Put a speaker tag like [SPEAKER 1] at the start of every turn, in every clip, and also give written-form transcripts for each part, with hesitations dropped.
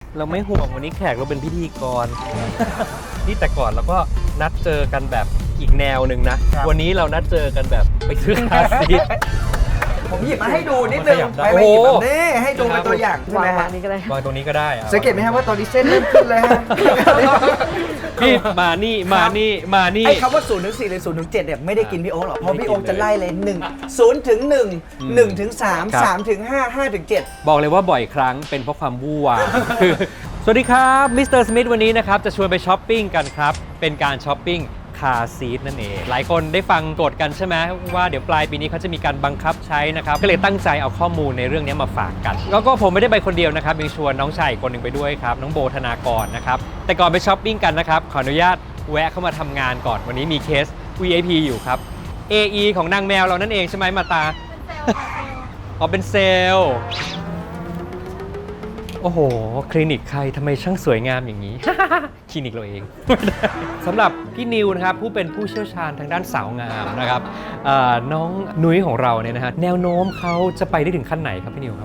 [SPEAKER 1] เราไม่ห่วงวันนี้แขกเราเป็นพิธีกร นี่แต่ก่อนเราก็นัดเจอกันแบบอีกแนวหนึ่งนะ วันนี้เรานัดเจอกันแบบไปซื้อคาซีท
[SPEAKER 2] ผมหยิบมาให้ดูนิดนึงไปหยิบแบบนี้ให้ดูเป็นตัวอย่างใช่ไหมฮะ
[SPEAKER 1] วางตรงนี้ก็ได้
[SPEAKER 2] สังเกตไหมครับว่าตอนนี้เส้นเริ่มขึ้นเลยฮะ
[SPEAKER 1] พี่มานี่มานี่มานี่
[SPEAKER 2] ไอ้คำว่า0ถึง4หรือ0ถึง7เนี่ยไม่ได้กินพี่โอ๊คหรอกเพราะพี่โอ๊คจะไล่เลย1 0ถึง1 1ถึง3 3ถึง5 5ถึง7
[SPEAKER 1] บอกเลยว่าบ่อยครั้งเป็นเพราะความวู่วาม คือสวัสดีครับมิสเตอร์สมิธวันนี้นะครับจะชวนไปช้อปปิ้งกันครับ เป็นการช้อปปิ้งคาร์ซีทนั่นเอง หลายคนได้ฟังกฎกันใช่ไหมว่าเดี๋ยวปลายปีนี้เขาจะมีการบังคับใช้นะครับ ก็เลยตั้งใจเอาข้อมูลในเรื่องนี้มาฝากกัน แล้วก็ผมไม่ได้ไปคนเดียวนะครับยังชวนน้องชายอีกคนหนึ่งไปด้วยครับ น้องโบธนากรนะครับ แต่ก่อนไปช้อปปิ้งกันนะครับขออนุญาตแวะเข้ามาทำงานก่อนวันนี้มีเคส VIP อยู่ครับ AE ของนางแมวเรานั่นเองใช่ไหมมาตา อ๋อเป็นเซลล์ โอ้โห คลินิกใครทำไมช่างสวยงามอย่างนี้ คลินิกเราเอง สำหรับพี่นิวนะครับผู้เป็นผู้เชี่ยวชาญทางด้านสาวงามนะครับน้องนุ้ยของเราเนี่ยนะฮะแนวโน้มเขาจะไปได้ถึงขั้นไหนครับพี่นิวครับ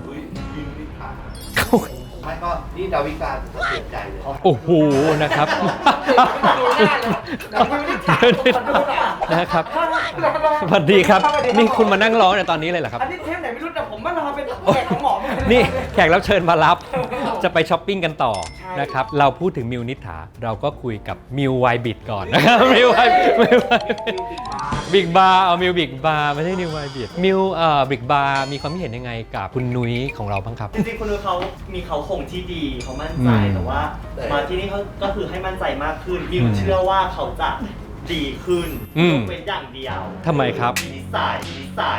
[SPEAKER 3] ไม่ก็นี่ดาวิกาจะเสียใจเลย
[SPEAKER 1] โอ้โหนะครับนะครับสวัสดีครับนี่คุณมานั่งร้องในตอนนี้เลยเหรอครับ
[SPEAKER 2] อันนี้เทปไหนไม่รู้แต่ผมมารอเป็นแขกของหมอ
[SPEAKER 1] นี่แขกรับเชิญมารับจะไปช้อปปิ้งกันต่อนะครับเราพูดถึงมิวนิษฐาเราก็คุยกับมิวไวบิดก่อนนะครับมิวไวบิ๊กบาร์เอามิวบิ๊กบาร์ไม่ใช่นิวไวบิดมิวบิ๊กบาร์มีความคิดเห็นยังไงกับคุณนุ้ยของเราบ้างครับ
[SPEAKER 4] จริงๆคุณนุ้ยเขามีเขาคงที่ดีเขามั่นใจแต่ว่ามาที่นี่เขาก็คือให้มั่นใจมากขึ้นมิวเชื่อว่าเขาจะดีขึ้นยกเว้นอย่างเดียว
[SPEAKER 1] ทำไมครับ
[SPEAKER 4] นิสัย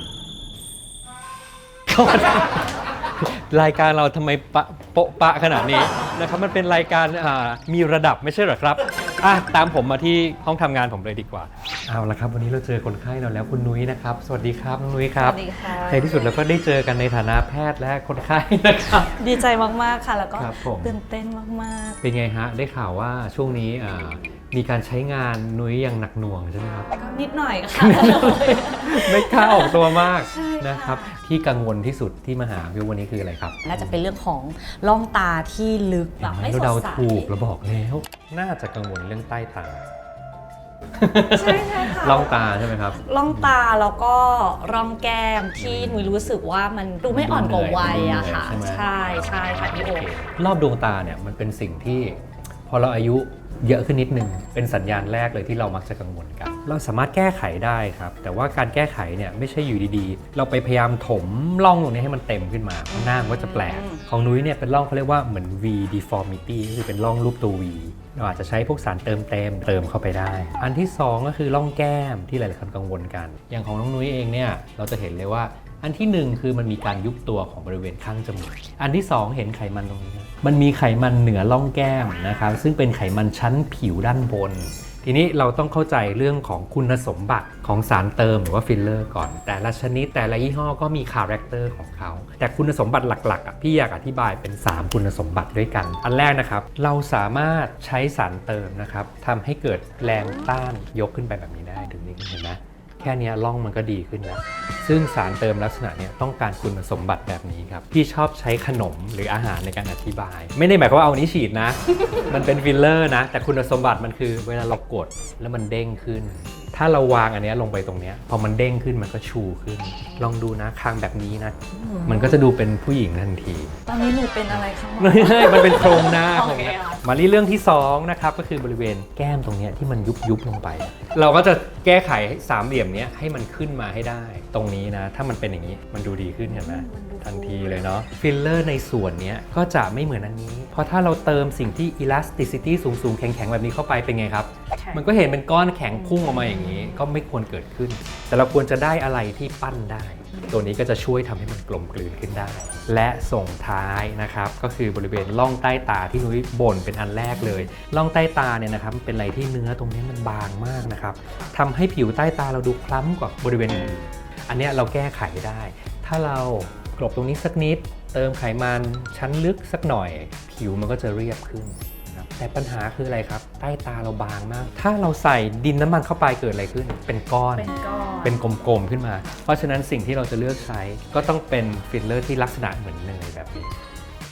[SPEAKER 1] รายการเราทำไมโปะปะขนาดนี้นะครับมันเป็นรายการมีระดับไม่ใช่เหรอครับตามผมมาที่ห้องทำงานผมเลยดีกว่าเอาละครับวันนี้เราเจอคนไข้เราแล้วคุณนุ้ยนะครับสวัสดีครับน้องนุ้ยครับ
[SPEAKER 5] สวัสดีค่ะ
[SPEAKER 1] ในที่สุดเราก็ได้เจอกันในฐานะแพทย์และคนไข้นะครับ
[SPEAKER 5] ดีใจมากๆค่ะ แล้วก็
[SPEAKER 1] ครับผม
[SPEAKER 5] ตื่นเต้นมาก
[SPEAKER 1] เป็นไงฮะได้ข่าวว่าช่วงนี้มีการใช้งานนุ้ยอย่างหนักหน่วงใช่ไหมครับ
[SPEAKER 5] ๆก็นิดหน่อยค่ะ
[SPEAKER 1] ไม่กล้าออกตัวมาก
[SPEAKER 5] ใช่ค่ะ
[SPEAKER 1] นะครับที่กังวลที่สุดที่มาหาพี่วันนี้คืออะไรครับ
[SPEAKER 5] น่าจะเป็นเรื่องของร่องตาที่ลึกแบบไม่ส
[SPEAKER 1] เรา
[SPEAKER 5] ด
[SPEAKER 1] เดา
[SPEAKER 5] ใส
[SPEAKER 1] ถูกเราบอกแล้วน่าจะกังวลเรื่องใต้ตา
[SPEAKER 5] ใช่ค่ะ
[SPEAKER 1] ล่องตาใช่ไหมครับ
[SPEAKER 5] ร่องตาแล้วก็ร่องแก้มที่หนูรู้สึกว่ามันดูไม่อ่อนกว่าวัยอะค่ะ
[SPEAKER 1] ดูเหนื่อย
[SPEAKER 5] ใช่ใช่ค่ะพี่โอ
[SPEAKER 1] รอบดวงตาเนี่ยมันเป็นสิ่งที่พอเราอายุเยอะขึ้นนิดนึงเป็นสัญญาณแรกเลยที่เรามักจะกังวลกัน เราสามารถแก้ไขได้ครับแต่ว่าการแก้ไขเนี่ยไม่ใช่อยู่ดีๆ เราไปพยายามถมร่องตรงนี้ให้มันเต็มขึ้นมาหน้ามันก็จะแปลกของนุ้ยเนี่ยเป็นร่องเขาเรียกว่าเหมือน V deformity ก็คือเป็นร่องรูปตัว V เราอาจจะใช้พวกสารเติมเติมเข้าไปได้ อันที่สองก็คือร่องแก้มที่หลายๆคนกังวลกัน อย่างของน้องนุ้ยเองเนี่ยเราจะเห็นเลยว่าอันที่หนึ่งคือมันมีการยุบตัวของบริเวณข้างจมูกอันที่สองเห็นไขมันตรงนี้นะมันมีไขมันเหนือร่องแก้มนะครับซึ่งเป็นไขมันชั้นผิวด้านบน ทีนี้เราต้องเข้าใจเรื่องของคุณสมบัติของสารเติมหรือว่าฟิลเลอร์ก่อนแต่ละชนิดแต่ละยี่ห้อก็มีคาแรคเตอร์ของเขาแต่คุณสมบัติหลักๆพี่อยากอธิบายเป็น3คุณสมบัติด้วยกันอันแรกนะครับเราสามารถใช้สารเติมนะครับทำให้เกิดแรงต้านยกขึ้นไปแบบนี้ได้ถึงนี้เห็นไหมแค่นี้ร่องมันก็ดีขึ้นแล้วซึ่งสารเติมลักษณะนี้ต้องการคุณสมบัติแบบนี้ครับพี่ชอบใช้ขนมหรืออาหารในการอธิบาย ไม่ได้หมายความว่าเอานี้ฉีดนะ มันเป็นฟิลเลอร์นะแต่คุณสมบัติมันคือเวลาเรากดแล้วมันเด้งขึ้น ถ้าเราวางอันนี้ลงไปตรงนี้พอมันเด้งขึ้นมันก็ชูขึ้น ลองดูนะคางแบบนี้นะมันก็จะดูเป็นผู้หญิงทันที
[SPEAKER 5] ตอนนี้หนูเป็นอะไรคะหมอ
[SPEAKER 1] ไม่ใช่มันเป็นโครงหน้า
[SPEAKER 5] โอ
[SPEAKER 1] ของ
[SPEAKER 5] เค
[SPEAKER 1] เนี่ย
[SPEAKER 5] ค่ะ
[SPEAKER 1] มาที่เรื่องที่2นะครับก็คือบริเวณแก้มตรงเนี้ยที่มันยุบลงไป เราก็จะแก้ไขสามเหลี่ยมเนี้ยให้มันขึ้นมาให้ได้ตรงนี้นะถ้ามันเป็นอย่างนี้มันดูดีขึ้นเห็นไหมทันทีเลยเนาะฟิลเลอร์ในส่วนเนี้ยก็จะไม่เหมือนอันนี้เพราะถ้าเราเติมสิ่งที่ elasticity สูงๆแข็งๆแบบนี้เข้าไปเป็นไงครับมันก็เห็นเป็นก้อนแข็งพุ่งออกมาอย่างนี้ก็ไม่ควรเกิดขึ้น แต่เราควรจะได้อะไรที่ปั้นได้ ตัวนี้ก็จะช่วยทำให้มันกลมกลืนขึ้นได้ และส่งท้ายนะครับก็คือบริเวณร่องใต้ตาที่นุ้ยบ่นเป็นอันแรกเลยร่องใต้ตาเนี่ยนะครับเป็นอะไรที่เนื้อตรงนี้มันบางมากนะครับทำให้ผิวใต้ตาเราดูคล้ำกว่าบริเวณอื่นอันเนี้ยเราแก้ไขได้ ถ้าเรากลบตรงนี้สักนิดเติมไขมันชั้นลึกสักหน่อย ผิวมันก็จะเรียบขึ้นนะครับแต่ปัญหาคืออะไรครับใต้ตาเราบางมาก ถ้าเราใส่ดินน้ำมันเข้าไปเกิดอะไรขึ้นเป็นก้อน เป็นกลมๆขึ้นมา เพราะฉะนั้นสิ่งที่เราจะเลือกใช้ก็ต้องเป็นฟิลเลอร์ที่ลักษณะเหมือนเนยแบบนี้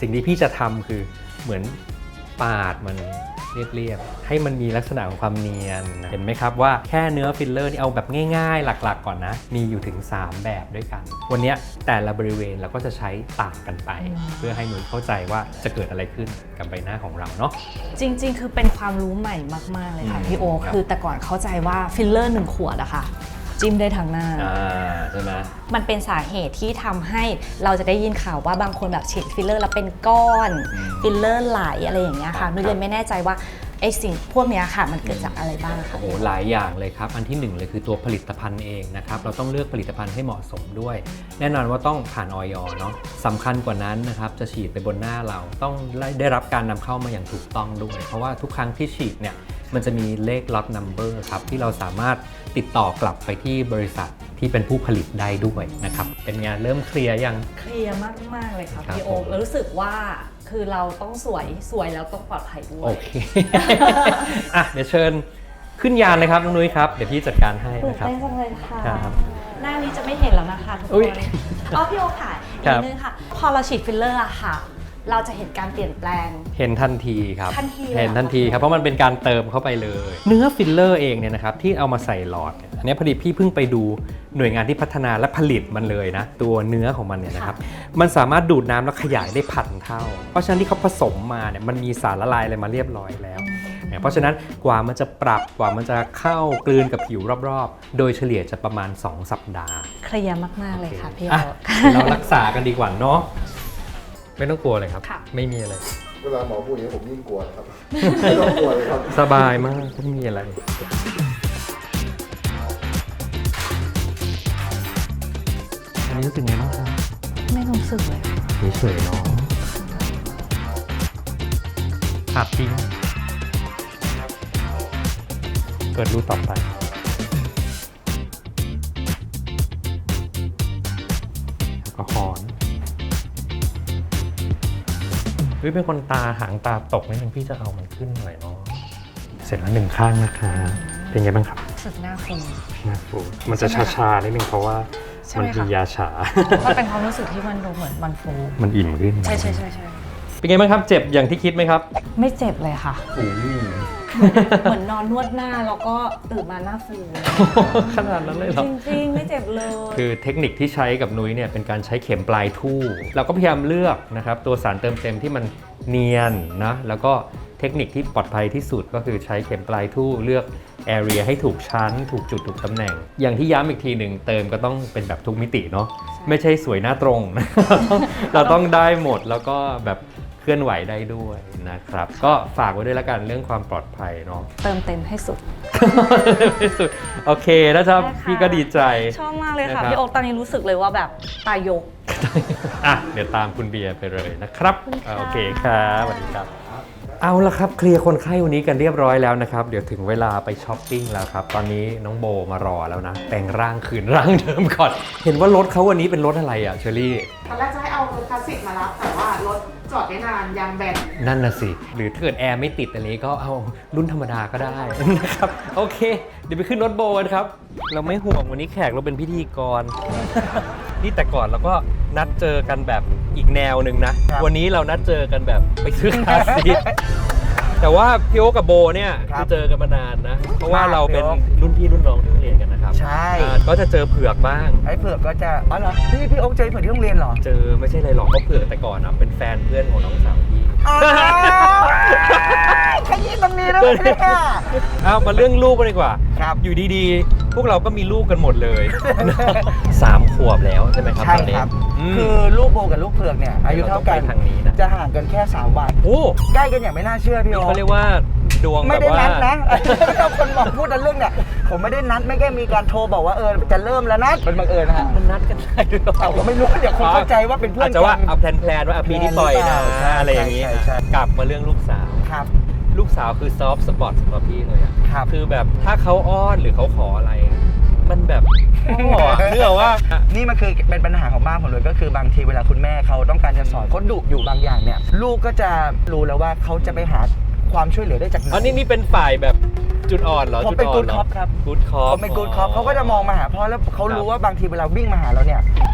[SPEAKER 1] สิ่งที่พี่จะทำคือเหมือนปาดมันเรียบๆให้มันมีลักษณะของความเนียนเห็นไหมครับว่าแค่เนื้อฟิลเลอร์นี่เอาแบบง่ายๆหลักๆก่อนนะมีอยู่ถึง3แบบด้วยกันวันนี้แต่ละบริเวณเราก็จะใช้ต่างกันไป เพื่อให้นุ้ยเข้าใจว่าจะเกิดอะไรขึ้นกับใบหน้าของเราเนาะ
[SPEAKER 5] จริงๆ คือเป็นความรู้ใหม่มากๆเลยค่ะพี่โอ
[SPEAKER 1] ครับ
[SPEAKER 5] คือแต่ก่อนเข้าใจว่าฟิลเลอร์1 ขวดอะค่ะจิ้มได้ทั้งหน้า
[SPEAKER 1] ใช่ไหม
[SPEAKER 5] มันเป็นสาเหตุที่ทำให้เราจะได้ยินข่าวว่าบางคนแบบฉีดฟิลเลอร์แล้วเป็นก้อนฟิลเลอร์ไหลอะไรอย่างเงี้ยค่ะนุ้ยเลยไม่แน่ใจว่าไอ้สิ่งพวกเนี้ยค่ะมันเกิดจากอะไรบ้างคะ
[SPEAKER 1] โอ้โหหลายอย่างเลยครับอันที่1เลยคือตัวผลิตภัณฑ์เองนะครับเราต้องเลือกผลิตภัณฑ์ให้เหมาะสมด้วย แน่นอนว่าต้องผ่านออยเนาะสำคัญกว่านั้นนะครับจะฉีดไปบนหน้าเราต้องได้รับการนำเข้ามาอย่างถูกต้องด้วย เพราะว่าทุกครั้งที่ฉีดเนี่ยมันจะมีเลข lot number ครับที่เราสามารถติดต่อกลับไปที่บริษัทที่เป็นผู้ผลิตได้ด้วยนะครับเป็นไงเริ่มเคลียร์ยัง
[SPEAKER 5] เคลียร์มากๆเลยค่ะ
[SPEAKER 1] ครับ
[SPEAKER 5] พี่โอ
[SPEAKER 1] ผม
[SPEAKER 5] แล้วรู้สึกว่าคือเราต้องสวยแล้วต้องปลอดภัยด้ว
[SPEAKER 1] โอย เค อ่ะเดี๋ยวเชิญขึ้นยานเลยครับน้องนุ้ยครับเดี๋ยวพี่จัดการให้
[SPEAKER 5] ตื่น
[SPEAKER 1] นะครับ
[SPEAKER 5] เต้นจังเลยค่ะ
[SPEAKER 1] ครับ
[SPEAKER 5] หน้านี้จะไม่เห็นแล้วนะคะทุกค
[SPEAKER 1] อุ๊ย
[SPEAKER 5] นอ๋อพี่โอค่ะ
[SPEAKER 1] ครั
[SPEAKER 5] อี
[SPEAKER 1] บ
[SPEAKER 5] กนึงค่ะ พอเราฉีดฟิลเลอร์อะค่ะ เราจะเห็นการเปลี่ยนแปลง
[SPEAKER 1] เห็นทันทีครับ
[SPEAKER 5] ทันทีเลยเหรอ
[SPEAKER 1] เห็นทันทีครับเพราะมันเป็นการเติมเข้าไปเลย เนื้อฟิลเลอร์เองเนี่ยนะครับที่เอามาใส่หลอดเนี่ยอันนี้พอดีพี่เพิ่งไปดูหน่วยงานที่พัฒนาและผลิตมันเลยนะตัวเนื้อของมันเนี่ยนะครับมันสามารถดูดน้ำแล้วขยายได้1,000 เท่า เพราะฉะนั้นที่เขาผสมมาเนี่ยมันมีสารละลายอะไรมาเรียบร้อยแล้ว เพราะฉะนั้นกว่ามันจะปรับกว่ามันจะเข้ากลืนกับผิวรอบๆ โดยเฉลี่ยจะประมาณ 2 สัปดาห์
[SPEAKER 5] เคลียร์มากๆเลยค่ะพี่โอ
[SPEAKER 1] อ่ะเรารักษากันดีกว่าเนาะไม่ต้องกลัวเลยครับ
[SPEAKER 5] ค่ะ
[SPEAKER 1] ไม่มีอะไร
[SPEAKER 6] เวลาหมอพูดอย่างนี้ผมยิ่งกลัวนะครับ ไม่ต้องกลัวเลยครับ
[SPEAKER 1] สบายมากไม่มีอะไรอันนี้รู้สึกไงบ้างครับ
[SPEAKER 5] ไม่รู้สึกเลย
[SPEAKER 1] เฉยๆเนาะขาดจริงเกิดรูต่อไปแล้วก็คอนเฮ้ยเป็นคนตาหางตาตกนิดนึงพี่จะเอามันขึ้นหน่อยเนาะเสร็จแล้ว1 ข้างนะคะเป็นไงบ้างครับ
[SPEAKER 5] รู้สึกหน้าฟู
[SPEAKER 1] หน้าฟูมันจะชาๆนิดนึงเพราะว่า
[SPEAKER 5] ใช่ไหม
[SPEAKER 1] มัน
[SPEAKER 5] คะ
[SPEAKER 1] มียาชา
[SPEAKER 5] มันเป็นความรู้สึกที่มันดูเหมือนมันฟู
[SPEAKER 1] มันอิ่มขึ้น
[SPEAKER 5] ใช่
[SPEAKER 1] เป็นไงบ้างครับเจ็บอย่างที่คิดไหมครับ
[SPEAKER 5] ไม่เจ็บเลยค่ะ
[SPEAKER 1] โอ้ย
[SPEAKER 5] เหมือนนอนนวดหน้าแล้วก็ตื่นมาหน้าฟู
[SPEAKER 1] ขนาดนั้นเลยเหรอ
[SPEAKER 5] จริงๆ ไม่เจ็บเลย
[SPEAKER 1] คือเทคนิคที่ใช้กับนุ้ยเนี่ยเป็นการใช้เข็มปลายทู่เราก็พยายามเลือกนะครับตัวสารเติมเต็มที่มันเนียนนะแล้วก็เทคนิคที่ปลอดภัยที่สุดก็คือใช้เข็มปลายทู่เลือกแอเรียให้ถูกชั้น ถูกจุดถูกตำแหน่ง อย่างที่ย้ำอีกทีหนึ่งเติมก็ต้องเป็นแบบทุกมิติเนาะไม่ใช่สวยหน้าตรง เราต้องได้หมดแล้วก็แบบเคลื่อนไหวได้ด้วยนะครับก็ฝากไว้ด้วยละกันเรื่องความปลอดภัยเนาะ
[SPEAKER 5] เติมเต็มให้สุด
[SPEAKER 1] ที่สุดโอเคนะครับ
[SPEAKER 5] ได้ค่ะ
[SPEAKER 1] พี่ก็ดีใจ
[SPEAKER 5] ชอบมากเลยค่ะ
[SPEAKER 1] นะครับ
[SPEAKER 5] พี่โอ๊คตอนนี้รู้สึกเลยว่าแบบตายก
[SPEAKER 1] อ่ะเดี๋ยวตามคุณเบียร์ไปเลยนะครับ
[SPEAKER 5] ขอบคุณค่ะ
[SPEAKER 1] โอเคครับสวัสดีครับ เอาละครับเคลียร์คนไข้วันนี้กันเรียบร้อยแล้วนะครับเดี๋ยวถึงเวลาไปช้อปปิ้งแล้วครับตอนนี้น้องโบมารอแล้วนะแต่งร่างคืนร่างเดิมก่อนเห็นว่ารถเขาวันนี้เป็นรถอะไรอ่ะเชอรี่
[SPEAKER 7] ตอนแรกจะให้เอารถคลาสสิกมารับ แต่ว่ารถจอดได้นานยางแบน
[SPEAKER 1] นั่นน่ะสิหรือถ้าเกิดแอร์ไม่ติดอันนี้ก็เอารุ่นธรรมดาก็ได้ นะครับโอเค เดี๋ยวไปขึ้นรถโบกันครับเราไม่ห่วงวันนี้แขกเราเป็นพิธีกร นี่แต่ก่อนเราก็นัดเจอกันแบบอีกแนวหนึ่งนะ วันนี้เรานัดเจอกันแบบไปซื้อคาร์ซีท แต่ว่าพี่โอ๊คกับโบเนี่ย
[SPEAKER 2] ครับ
[SPEAKER 1] คือเจอกันมานานนะ เพราะว่า
[SPEAKER 2] ครับ
[SPEAKER 1] เราเป็น
[SPEAKER 2] พี่โอ๊ค
[SPEAKER 1] รุ่นพี่รุ่นน้องที่โรงเรียนกันนะครับ
[SPEAKER 2] ใช่
[SPEAKER 1] ก็จะเจอเผือกบ้าง
[SPEAKER 2] ไอ้เผือกก็จะอ๋อเหรอพี่โอ๊คเจอเผือกที่โรงเรียนเหรอ
[SPEAKER 1] เจอไม่ใช่อะไรหรอกก็เผือกแต่ก่อนนะเป็นแฟนเพื่อนของน้องสาวพี่
[SPEAKER 2] อ้าวขยี้ตรงนี้แล้วเนี่ย
[SPEAKER 1] เอามาเรื่องลูกกันดีกว่า
[SPEAKER 2] ครับ
[SPEAKER 1] อยู่ดีๆ พวกเราก็มีลูกกันหมดเลย 3 ขวบแล้วใช่ไหมครับ
[SPEAKER 2] ใช่
[SPEAKER 1] ตอนนี้
[SPEAKER 2] ครับ
[SPEAKER 1] ม
[SPEAKER 2] คือลูกโบกับลูกเผือกเนี่ยอายุเท่ากัน
[SPEAKER 1] เราต้องไปทางนี้นะ
[SPEAKER 2] จะห่างกันแค่3 วัน
[SPEAKER 1] โอ้
[SPEAKER 2] ใกล้กันอย่างไม่น่าเชื่อพี่
[SPEAKER 1] นี่
[SPEAKER 2] โอ๊ค
[SPEAKER 1] เขาเรียกว่าดวง
[SPEAKER 2] ไม่
[SPEAKER 1] แบบ
[SPEAKER 2] ได้
[SPEAKER 1] ว่า
[SPEAKER 2] นัดนะ ถ้าคนบอกพูดในเรื่องเนี่ยผมไม่ได้นัดไม่แค่มีการโทรบอกว่าจะเริ่มแล้วนะเป็นบังเอิญนะฮะ
[SPEAKER 1] มันนัดกันได้ด้วยหรอ
[SPEAKER 2] เอาก็ไม่รู้เดี๋ยวคนเข้าใจว่าเป็นเพื่อน
[SPEAKER 1] อาจจะว่า
[SPEAKER 2] กัน
[SPEAKER 1] เอาแพลนๆว่าปีนี้ต่อยนะ
[SPEAKER 2] ใช่
[SPEAKER 1] อะไรอย่างนี้
[SPEAKER 2] ใช่ใช่
[SPEAKER 1] กลับมาเรื่องลูกสาว
[SPEAKER 2] ครับ
[SPEAKER 1] ลูกสาวคือซอฟต์สปอร์ตสำหรับพี่เลยอะ
[SPEAKER 2] ครับ
[SPEAKER 1] คือแบบถ้าเขาอ้อนหรือเขาขออะไรอะมันแบบพ่ออะเนื่องว่า
[SPEAKER 2] นี่มันคือเป็นปัญหาของบ้านผมเลยก็คือบางทีเวลาคุณแม่เขาต้องการจะสอนเขาดุอยู่บางอย่างเนี่ยลูกก็จะรู้แล้วว่าเขาจะไปหาความช่วยเหลือได้จากไหน
[SPEAKER 1] อันนี้เป็นฝ่ายแบบจุดอ่อนเหรอ
[SPEAKER 2] ผม
[SPEAKER 1] จุด
[SPEAKER 2] เป็น
[SPEAKER 1] อ่อน
[SPEAKER 2] good
[SPEAKER 1] เหรอ
[SPEAKER 2] cop ครับ
[SPEAKER 1] กู๊ดคอป
[SPEAKER 2] เขาเป็นกู๊ดคอปเขาก็จะมองมาหาพ่อแล้วเขารู้ว่าบางทีเวลาวิ่งมาหาเราเนี่ย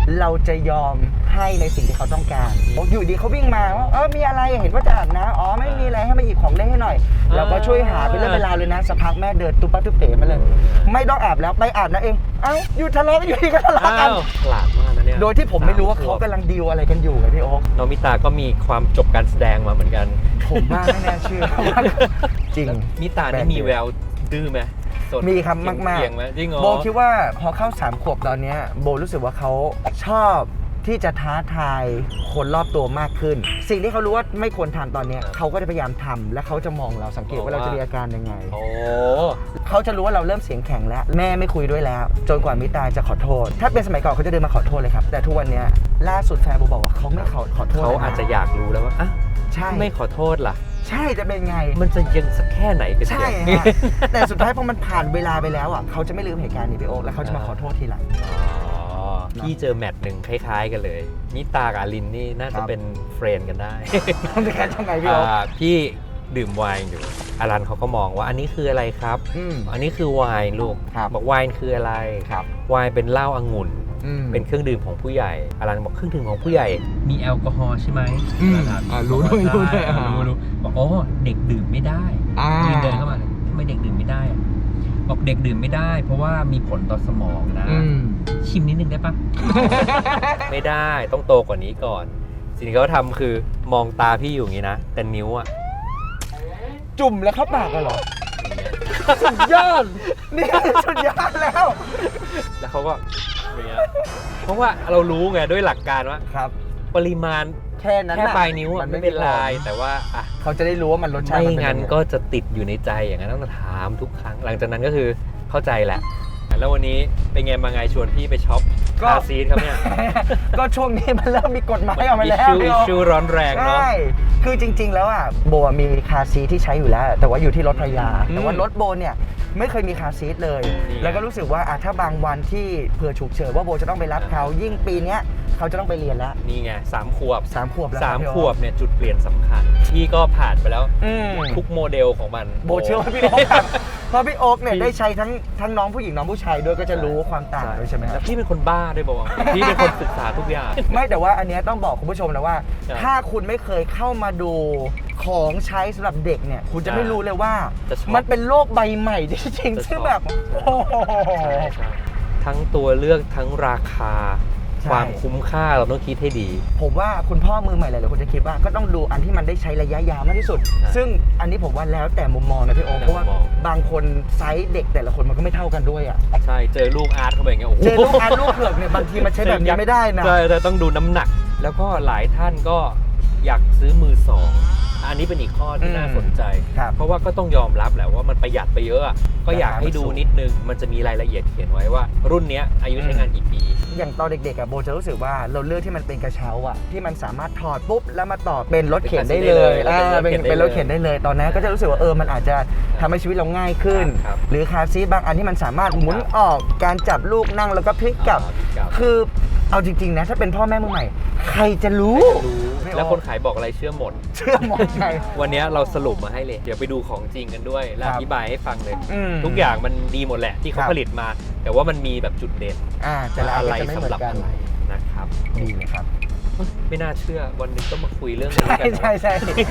[SPEAKER 2] เราจะยอมให้ในสิ่งที่เขาต้องการอยู่ดีเขาวิ่งมาว่ามีอะไรเห็นว่าจะอาบน้ำอ๋อไม่มีอะไรให้มาหยิบของเล่นให้หน่อยเราก็ช่วยหาเป็นเรื่องเวลาเลยนะสักพักแม่เดินตุ๊บปั๊บตุ๊บเป๋มาเลยไม่ต้องอาบแล้วไปอาบนะเองอยู่ทะเลาะกันอยู่ดีก็ทะเลาะกัน
[SPEAKER 1] ฉลาดมากนะเนี่ย
[SPEAKER 2] โดยที่ผมไม่รู้ว่าเขากำลังดีลอะไรกันอยู่ไงพี่โอ๊ค
[SPEAKER 1] โนมิตาก็มีความจบการแสดงมาเหมือนกัน
[SPEAKER 2] ผมว่าไม่น่าเชื่อจริง
[SPEAKER 1] มิตานี่มีแววดื้อไหมสด
[SPEAKER 2] มีครับมาก
[SPEAKER 1] เกี่ยงไหมจริงเหรอ
[SPEAKER 2] โบคิดว่าพอเข้า3 ขวบตอนเนี้ยโบรู้สึกว่าเขาชอบที่จะท้าทายคนรอบตัวมากขึ้น สิ่งที่เขารู้ว่าไม่ควรทำตอนเนี้ยเขาก็จะพยายามทำและเขาจะมองเราสังเกตว่าเราจะมีอาการยังไง
[SPEAKER 1] โอ้
[SPEAKER 2] เขาจะรู้ว่าเราเริ่มเสียงแข็งแล้วแม่ไม่คุยด้วยแล้ว จนกว่ามิตาจะขอโทษ ถ้าเป็นสมัยก่อนเขาจะเดินมาขอโทษเลยครับแต่ทุกวันเนี้ยล่าสุดแฟนโบบอกว่าเขาไม่ขอโทษ
[SPEAKER 1] เขาอาจจะอยากรู้แล้วว่าอ่ะ
[SPEAKER 2] ใช่
[SPEAKER 1] ไม่ขอโทษล่ะ
[SPEAKER 2] ใช่จะเป็นไง
[SPEAKER 1] มันจะยังสักแค่ไหนกัน
[SPEAKER 2] ใช่
[SPEAKER 1] เนี่ย
[SPEAKER 2] ฮะ แต่สุดท้ายพอมันผ่านเวลาไปแล้วอ่ะเขาจะไม่ลืมเหตุการณ์นี้พี่โอ๊คแล้วเขาจะมาขอโทษทีหลัง
[SPEAKER 1] อ๋อพี่เจอแมตช์หนึ่งคล้ายๆกันเลยมิตากับอลินนี่น่า
[SPEAKER 2] ครั
[SPEAKER 1] จะ
[SPEAKER 2] บ
[SPEAKER 1] เป็นเฟรนด์กันได้
[SPEAKER 2] ต้องจะแค่ทำไงพี่โอ๊ค
[SPEAKER 1] พี่ดื่มไวน์อยู่อลันเขาก็มองว่าอันนี้คืออะไรครับ อันนี้คือไวน์ลูก
[SPEAKER 2] ครับ
[SPEAKER 1] บอกไวน์คืออะไร
[SPEAKER 2] ครับ
[SPEAKER 1] ไวน์เป็นเหล้าองุ่น เป็นเครื่องดื่มของผู้ใหญ่อลันบอกเครื่องดื่มของผู้ใหญ่ มีแอลกอฮอล์ใช่ไหม
[SPEAKER 2] รู้ด้วยรู้ด้วย
[SPEAKER 1] รู้บอกโอ้เด็กดื่มไม่ได้ยืนเดินเข้ามาทำไมเด็กดื่มไม่ได้อะบอกเด็กดื่มไม่ได้ เพราะว่ามีผลต่อสมองนะ ชิมนิดนึงได้ปะ ไม่ได้ต้องโตกว่านี้ก่อน สิ่งที่เขาทำคือมองตาพี่อยู่อย่างนี้นะ แต่นิ้วอะ
[SPEAKER 2] จุ่มแล้วเข้าปากกันเหรอ สุดยอดนี่สุดยอดแล้ว
[SPEAKER 1] แล้วเขาก็อย่างเงี้ยเพราะว่าเรารู้ไงด้วยหลักการว่า
[SPEAKER 2] ครับ
[SPEAKER 1] ปริมาณ
[SPEAKER 2] แค่นั้น
[SPEAKER 1] แค่
[SPEAKER 2] น่ะ
[SPEAKER 1] ปลายนิ้วอะ
[SPEAKER 2] มัน
[SPEAKER 1] ไม่
[SPEAKER 2] ไม่
[SPEAKER 1] เป็นไร
[SPEAKER 2] มีผล
[SPEAKER 1] แต่ว่าอ่ะ
[SPEAKER 2] เขาจะได้รู้ว่ามันรสชาติ
[SPEAKER 1] ไม่
[SPEAKER 2] มันเป็น
[SPEAKER 1] งั้น
[SPEAKER 2] ยังไง
[SPEAKER 1] ก็จะติดอยู่ในใจอย่างนั้นต้องถามทุกครั้ง หลังจากนั้นก็คือเข้าใจแหละ แล้ววันนี้เป็นไงมาไงชวนพี่ไปช็อปคาซีทครับเนี่ย
[SPEAKER 2] ก็ช่วงนี้มันเริ่มมีกฎหมายออกมาแล้ว
[SPEAKER 1] อิชชูร้อนแรงเนาะ
[SPEAKER 2] ใช่คือจริง ๆ แล้วอ่ะโบมีคาร์ซีทที่ใช้อยู่แล้ว แต่ว่าอยู่ที่รถภรรยา แต่ว่ารถโบเนี่ยไม่เคยมีคาร์ซีทเลย
[SPEAKER 1] นี่ไง
[SPEAKER 2] แล้วก็รู้สึกว่าถ้าบางวันที่เผื่อฉุกเฉินว่าโบจะต้องไปรับเขายิ่งปีเนี้ยเขาจะต้องไปเรียนแล้ว
[SPEAKER 1] นี่ไง3 ขวบ
[SPEAKER 2] 3 ขวบแล้ว
[SPEAKER 1] 3 ขวบเนี่ยจุดเปลี่ยนสำคัญพี่ก็ผ่านไปแล้ว ทุกโมเดลของมัน
[SPEAKER 2] โบเชื่อว่าพี่โอ๊คครับเพราะพี่โอ๊คเนี่ยได้ใช้ทั้งน้องผู้หญิงน้องผู้ชายด้วยก็จะรู้ความต่างด้วยใช่ไหมค
[SPEAKER 1] แล้
[SPEAKER 2] รับ
[SPEAKER 1] วพี่เป็นคนบ้าด้วยบอกว่าพี่เป็นคนศึกษาทุกอย่าง
[SPEAKER 2] ไม่แต่ว่าอันเนี้ยต้องบอกคุณผู้ชมนะว่า
[SPEAKER 1] ครับ
[SPEAKER 2] ถ้าคุณไม่เคยเข้ามาดูของใช้สำหรับเด็กเนี่ยคุณจะไม่รู้เลยว่า
[SPEAKER 1] จะชอบ
[SPEAKER 2] มันเป็นโลกใบใหม่จริง
[SPEAKER 1] จะชอบ
[SPEAKER 2] ๆซึ่งแบบโอ้โห
[SPEAKER 1] ใช่ทั้งตัวเลือกทั้งราคา
[SPEAKER 2] ใช่
[SPEAKER 1] ความคุ้มค่าเราต้องคิดให้ดี
[SPEAKER 2] ผมว่าคุณพ่อมือใหม่หลายๆคนจะคิดว่าก็ต้องดูอันที่มันได้ใช้ระยะยาวมากที่สุด ซึ่งอันนี้ผมว่าแล้วแต่มุมมองนะพี่โอ๊คเพราะว่า
[SPEAKER 1] มุมมอง
[SPEAKER 2] บางคนไซส์เด็กแต่ละคนมันก็ไม่เท่ากันด้วยอ่ะ
[SPEAKER 1] ใช่เจอลูกอาร์ตเข้าไปอย่างเงี้ยโอ้โห
[SPEAKER 2] เจอลูกอาร์ตลูกเผือกเนี่ยบางทีมันใช้แบบนี้ไม่ได้นะ
[SPEAKER 1] ใช่แต่ต้องดูน้ำหนัก แล้วก็หลายท่านก็อยากซื้อมือสองอันนี้เป็นอีกข้อที่น่าสนใจ
[SPEAKER 2] ครับ
[SPEAKER 1] เพราะว่าก็ต้องยอมรับแหละว่ามันประหยัดไปเยอะอะก็อยากให้ดูนิดนึง มันจะมีรายละเอียดเขียนไว้ว่า รุ่นเนี้ยอายุใช้งานกี่ปี
[SPEAKER 2] อย่างตอนเด็กๆอะโบจะรู้สึกว่าเราเลือกที่มันเป็นกระเช้าอะที่มันสามารถถอดปุ๊บแล้วมาต่อเป็นรถเข็นได้เลย
[SPEAKER 1] เป็นรถเข็นได้เลย
[SPEAKER 2] เป็นรถเข็นได้เลย ตอนนั้นก็จะรู้สึกว่ามันอาจจะทำให้ชีวิตเราง่ายขึ้น
[SPEAKER 1] ครับ
[SPEAKER 2] หรือคาร์ซีทบางอันที่มันสามารถหมุนออกการจับลูกนั่งแล้วก็พลิกกลับ
[SPEAKER 1] ครับ
[SPEAKER 2] คือเอาจริงๆนะถ้าเป็นพ่อแม่มือใหม่ ใครจะรู้
[SPEAKER 1] แล้วคนขายบอกอะไรเชื่อหมด
[SPEAKER 2] เชื่อหมดไง
[SPEAKER 1] วันนี้เราสรุปมาให้เลย เดี๋ยวไปดูของจริงกันด้วย และ
[SPEAKER 2] ครั
[SPEAKER 1] อบ ธิบายให้ฟังเลย
[SPEAKER 2] อืม
[SPEAKER 1] ทุกอย่างมันดีหมดแหละที่เขา
[SPEAKER 2] ครับ
[SPEAKER 1] ผลิตมา แต่ว่ามันมีแบบจุดเด่น
[SPEAKER 2] แต่ละอัน
[SPEAKER 1] อะไร
[SPEAKER 2] ก็จะไม่เห
[SPEAKER 1] สำ
[SPEAKER 2] มือ
[SPEAKER 1] หรับ
[SPEAKER 2] นกัน
[SPEAKER 1] อะไรนะครับ
[SPEAKER 2] ดีเลยครับ
[SPEAKER 1] ไม่น่าเชื่อวันหนึงต้องมาคุยเรื่องนี้
[SPEAKER 2] ใช่
[SPEAKER 1] กันนะ
[SPEAKER 2] ใช่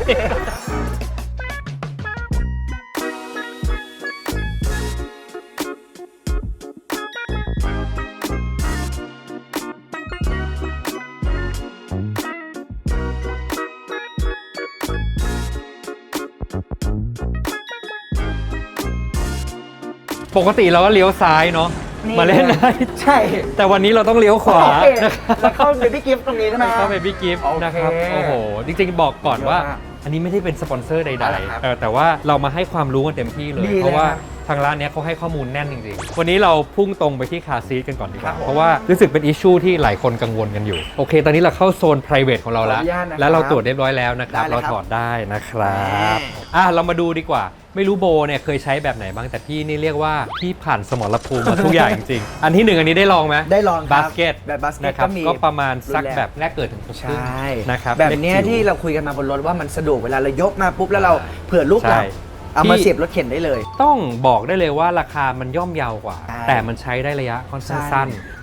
[SPEAKER 1] ปกติเราก็เลี้ยวซ้ายเนาะ
[SPEAKER 2] นี่
[SPEAKER 1] มาเล่นได้
[SPEAKER 2] ใช่
[SPEAKER 1] แต่วันนี้เราต้องเลี้ยวขวา
[SPEAKER 2] โอเค
[SPEAKER 1] นะครับ
[SPEAKER 2] แล้วเข้าเบบี้กิฟต์ตรงนี้ใช่ไหม
[SPEAKER 1] เข้าไปพี่กิฟต์
[SPEAKER 2] โอเค
[SPEAKER 1] นะครับโอ้โหจริงๆบอกก่อนว่า
[SPEAKER 2] เยอะมาก
[SPEAKER 1] อันนี้ไม่ได้เป็นสปอนเซอร์ใด
[SPEAKER 2] เอาละครับ
[SPEAKER 1] ๆแต่ว่าเรามาให้ความรู้กันเต็มที่เลย
[SPEAKER 2] ดีเลย
[SPEAKER 1] เพราะว่า
[SPEAKER 2] ครับ
[SPEAKER 1] ทางร้านเนี้ยเขาให้ข้อมูลแน่นจริงๆ วันนี้เราพุ่งตรงไปที่คาร์ซีทกันก่อนดีก
[SPEAKER 2] ครั
[SPEAKER 1] ว่า
[SPEAKER 2] บผม
[SPEAKER 1] เพราะว่ารู้สึกเป็นอิชชูที่หลายคนกังวลกันอยู่โอเค ตอนนี้เราเข้าโซน private ของเราแล้ว
[SPEAKER 2] ขออนุญาตนะครับ
[SPEAKER 1] แล้วเราตรวจเรียบร้อยแล้วนะครับ
[SPEAKER 2] ได้เลย
[SPEAKER 1] เรา
[SPEAKER 2] ครับ
[SPEAKER 1] ถอดได้นะครับเรามาดูดีกว่า ไม่รู้โบเนี่ยเคยใช้แบบไหนบ้างแต่พี่นี่เรียกว่าพี่ผ่านสมรภูมิมาทุกอย่างจริงๆ อันที่หนึ่งอันนี้ได้ลองไหม
[SPEAKER 2] ได้ลองครับ
[SPEAKER 1] บาสเกต
[SPEAKER 2] แบบบาสเกต
[SPEAKER 1] นะครับ
[SPEAKER 2] ก็มี
[SPEAKER 1] ก็ประมาณสัก
[SPEAKER 2] รุ่นแรก
[SPEAKER 1] แบบแรกเกิดถึงครึ่ง
[SPEAKER 2] ใช่
[SPEAKER 1] นะครับ
[SPEAKER 2] แบบเนี้ย
[SPEAKER 1] เล็กจิ๋ว
[SPEAKER 2] ที่เราคุยกันมาบนรถว่ามันสะดวกเวลาเรายกมาปุ๊บแล้วเราเผื่อลูกหลับ
[SPEAKER 1] ใช่
[SPEAKER 2] เอามาเสียบรถเข็นได้เลย
[SPEAKER 1] ต้องบอกได้เลยว่าราคามันย่อมเยาวกว่า
[SPEAKER 2] ใช่
[SPEAKER 1] แต่มันใช้ได้ระยะค่อนข้าง
[SPEAKER 2] ใช่
[SPEAKER 1] สั้น